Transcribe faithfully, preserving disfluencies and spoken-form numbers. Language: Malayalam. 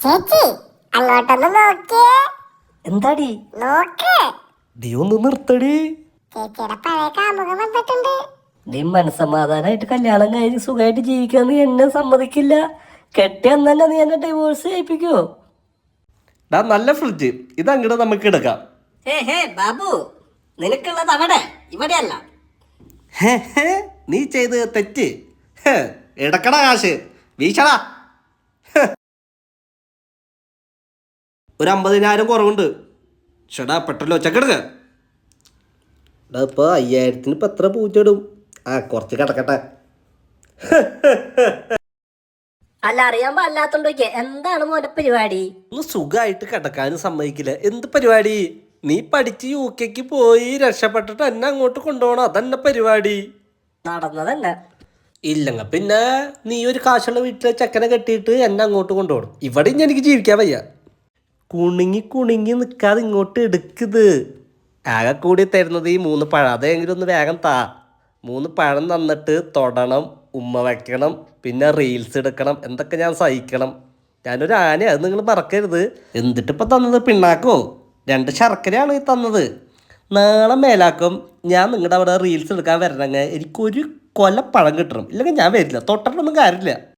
ചേച്ചി അങ്ങോട്ടൊന്ന് നോക്കിയേ. എന്താടി നോക്ക്, നീ ഒന്ന് നിർത്തടി. ചേച്ചിയുടെ പഴയ കാമുകം വന്നിട്ടുണ്ട്. നീ മനസ്സമാധാനായിട്ട് കല്യാണം കഴിഞ്ഞ് സുഖമായിട്ട് ജീവിക്കാൻ നീ എന്നെ സമ്മതിക്കില്ല. കെട്ടിയെന്ന് തന്നെ നീ എന്നെ ഡിവോഴ്സ് ചെയ്യിപ്പിക്കോ? ഡാ നല്ല ഫ്രിഡ്ജ്, ഇത് അങ്ങോട്ട് നമുക്ക് എടുക്കാം. ഹേ ഹേ ബാബു, നിനക്കുള്ളത് അവിടെ, ഇവിടെയല്ല. ഹേ ഹേ നീ ചെയ്ത് തെറ്റ്. ഹേ, എടുക്കടാ കാശ്, വീശടാ. ഹേ. ഒരു അമ്പതിനായിരം കുറവുണ്ട്. ചേടാ പെട്ടെന്ന് ഒച്ചക്കെടുക്ക. ഡാ ഇപ്പോൾ അയ്യായിരത്തിന് ഇപ്പം എത്ര പൂച്ചയിടും? ആ കുറച്ച് കിടക്കട്ടെ. അല്ല, അറിയാൻ പാടില്ലാത്തോണ്ടോക്കെ എന്താണ് മോന്റെ പരിപാടി? ഒന്ന് സുഖമായിട്ട് കിടക്കാനും സമ്മതിക്കില്ല. എന്ത് പരിപാടി? നീ പഠിച്ച് യു കെക്ക് പോയി രക്ഷപ്പെട്ടിട്ട് എന്നെ അങ്ങോട്ട് കൊണ്ടുപോകണം, അതന്നെ പരിപാടി. നടന്നതന്നെ. ഇല്ലങ്ങ പിന്നെ നീ ഒരു കാശുള്ള വീട്ടിലെ ചെക്കനെ കെട്ടിയിട്ട് എന്നെ അങ്ങോട്ട് കൊണ്ടുപോകണം. ഇവിടെ ഇനി എനിക്ക് ജീവിക്കാൻ വയ്യ. കുണുങ്ങി കുണുങ്ങി നിൽക്കാതെ ഇങ്ങോട്ട് എടുക്കുന്നത്. ആകെ കൂടി തരുന്നത് ഈ മൂന്ന് പഴം. അതെങ്കിലും ഒന്ന് വേഗം താ. മൂന്ന് പഴം തന്നിട്ട് തൊടണം, ഉമ്മ വയ്ക്കണം, പിന്നെ റീൽസ് എടുക്കണം. എന്തൊക്കെ ഞാൻ സഹിക്കണം. ഞാനൊരു ആന, അത് നിങ്ങൾ മറക്കരുത്. എന്നിട്ടിപ്പോൾ തന്നത് പിണ്ണാക്കോ രണ്ട് ശർക്കരയാണ് ഈ തന്നത്. നാളെ മേലാക്കും ഞാൻ നിങ്ങളുടെ അവിടെ റീൽസ് എടുക്കാൻ വരണമെങ്കിൽ എനിക്കൊരു കൊല പഴം കിട്ടണം. ഇല്ലെങ്കിൽ ഞാൻ വരില്ല. തൊട്ടിട്ടൊന്നും കാര്യമില്ല.